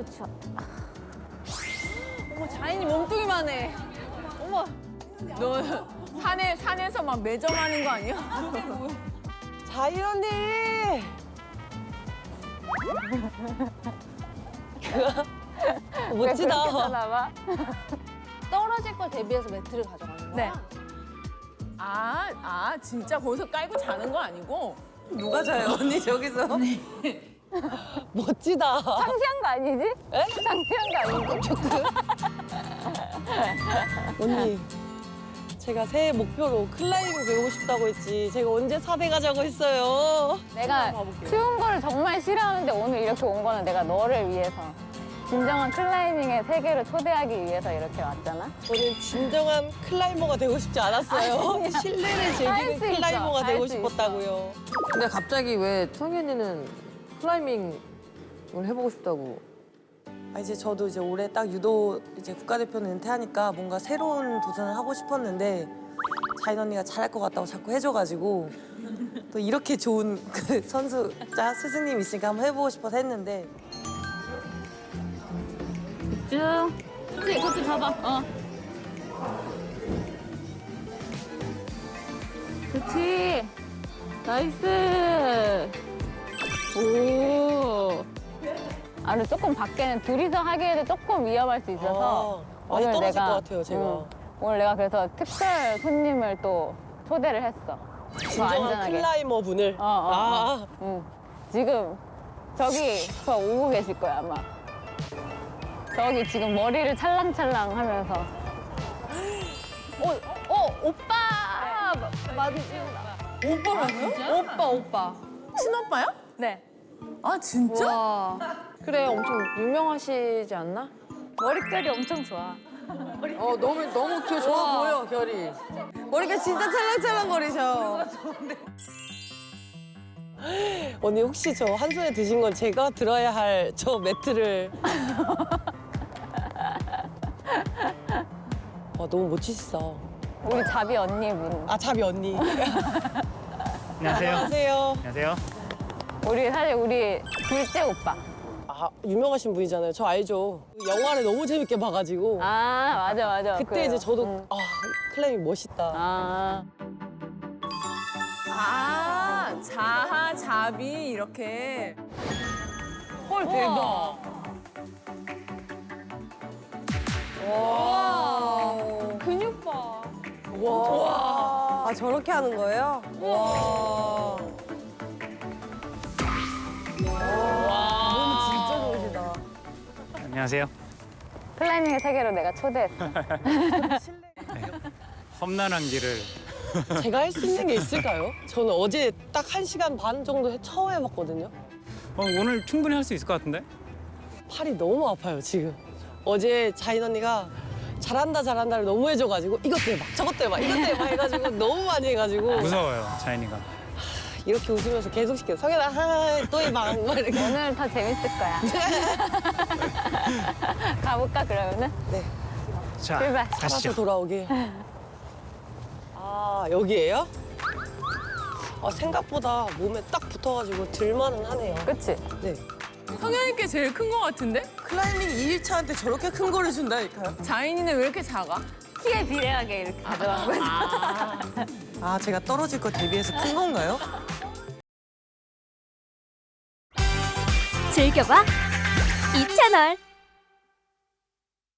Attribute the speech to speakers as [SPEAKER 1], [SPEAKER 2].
[SPEAKER 1] 추워.
[SPEAKER 2] 어머, 자인이 몸뚱이만 해. 어머. 너 산에서 막 매점하는 거 아니야?
[SPEAKER 3] 자인 언니. 멋지다.
[SPEAKER 1] 봐.
[SPEAKER 2] 떨어질 걸 대비해서 매트를 가져가는 거야?
[SPEAKER 1] 네.
[SPEAKER 2] 진짜 거기서 깔고 자는 거 아니고?
[SPEAKER 3] 누가 자요 언니 저기서? 멋지다.
[SPEAKER 1] 상세한 거 아니지?
[SPEAKER 3] 에?
[SPEAKER 1] 상세한 거 아니지?
[SPEAKER 3] 언니, 제가 새해 목표로 클라이밍 배우고 싶다고 했지. 제가 언제 4대 가자고 했어요.
[SPEAKER 1] 내가 추운 거를 정말 싫어하는데 오늘 이렇게 온 거는 내가 너를 위해서. 진정한 클라이밍의 세계를 초대하기 위해서 이렇게 왔잖아.
[SPEAKER 3] 저는 진정한 클라이머가 되고 싶지 않았어요. 실내를
[SPEAKER 1] 할
[SPEAKER 3] 즐기는
[SPEAKER 1] 수 있어.
[SPEAKER 3] 클라이머가
[SPEAKER 1] 할
[SPEAKER 3] 되고
[SPEAKER 1] 수
[SPEAKER 3] 싶었다고요.
[SPEAKER 4] 근데 갑자기 왜 청희 언니는 클라이밍을 해보고 싶다고?
[SPEAKER 3] 이제 저도 이제 올해 딱 유도 이제 국가대표는 은퇴하니까 뭔가 새로운 도전을 하고 싶었는데 자인 언니가 잘할 것 같다고 자꾸 해줘가지고 또 이렇게 좋은 그 선수자 스승님 있으니까 한번 해보고 싶어서 했는데
[SPEAKER 1] 쭉. 그치, 잡아. 그치. 나이스. 오. 근데 조금 밖에는 둘이서 하기에는 조금 위험할 수 있어서
[SPEAKER 3] 많이 떨어질 것 같아요, 제가.
[SPEAKER 1] 오늘 내가 그래서 특별 손님을 또 초대를 했어. 더
[SPEAKER 3] 진정한
[SPEAKER 1] 안전하게.
[SPEAKER 3] 클라이머 분을.
[SPEAKER 1] 응. 지금 저기 저 오고 계실 거야 아마. 저기 지금 머리를 찰랑찰랑 하면서. 오빠! 맞지?
[SPEAKER 2] 오빠라고요? 오빠. 친오빠야?
[SPEAKER 1] 네.
[SPEAKER 2] 아, 진짜?
[SPEAKER 4] 와. 그래, 엄청 유명하시지 않나?
[SPEAKER 1] 머릿결이 엄청 좋아.
[SPEAKER 4] 너무 좋아 보여, 결이.
[SPEAKER 3] 머리가 진짜 찰랑찰랑거리셔. 언니 혹시 저 한 손에 드신 건 제가 들어야 할 저 매트를. 너무 멋지시다.
[SPEAKER 1] 우리 자비 언니분.
[SPEAKER 3] 자비 언니.
[SPEAKER 5] 안녕하세요.
[SPEAKER 3] 안녕하세요.
[SPEAKER 5] 안녕하세요.
[SPEAKER 1] 사실 우리 둘째 오빠.
[SPEAKER 3] 유명하신 분이잖아요. 저 알죠. 영화를 너무 재밌게 봐가지고.
[SPEAKER 1] 맞아.
[SPEAKER 3] 그때
[SPEAKER 1] 그래요.
[SPEAKER 3] 이제 저도
[SPEAKER 1] 응.
[SPEAKER 3] 클라이밍 멋있다.
[SPEAKER 2] 자하, 자비 이렇게. 헐, 대박. 와. 근육 봐.
[SPEAKER 3] 와. 저렇게 하는 거예요? 와. 몸 진짜 좋으시다.
[SPEAKER 5] 안녕하세요.
[SPEAKER 1] 클라이밍의 세계로 내가 초대했어.
[SPEAKER 5] 험난한 길을
[SPEAKER 3] 제가 할 수 있는 게 있을까요? 저는 어제 딱 1시간 반 정도 처음 해봤거든요.
[SPEAKER 5] 오늘 충분히 할 수 있을 것 같은데?
[SPEAKER 3] 팔이 너무 아파요, 지금. 어제 자인 언니가 잘한다를 너무 해줘가지고 이것도 해봐, 저것도 해봐, 이것도 해봐 해가지고 너무 많이 해가지고
[SPEAKER 5] 무서워요, 자인이가.
[SPEAKER 3] 이렇게 웃으면서 계속 시켜요. 성현아, 또 해봐. 막 이렇게.
[SPEAKER 1] 오늘 더 재밌을 거야. 가볼까 그러면은?
[SPEAKER 3] 네,
[SPEAKER 5] 자,
[SPEAKER 1] 출발.
[SPEAKER 3] 살아서
[SPEAKER 5] 가시죠.
[SPEAKER 3] 돌아오길. 여기예요? 생각보다 몸에 딱 붙어가지고 들만은 하네요.
[SPEAKER 1] 그치?
[SPEAKER 3] 네.
[SPEAKER 2] 성현이께 제일 큰 거 같은데?
[SPEAKER 3] 클라이밍 2일차한테 저렇게 큰 거를 준다니까요?
[SPEAKER 2] 자인이는 왜 이렇게 작아?
[SPEAKER 1] 키에 비례하게 이렇게 가져간 거지.
[SPEAKER 3] 제가 떨어질 거 대비해서 큰 건가요?
[SPEAKER 6] 즐겨봐 이 채널.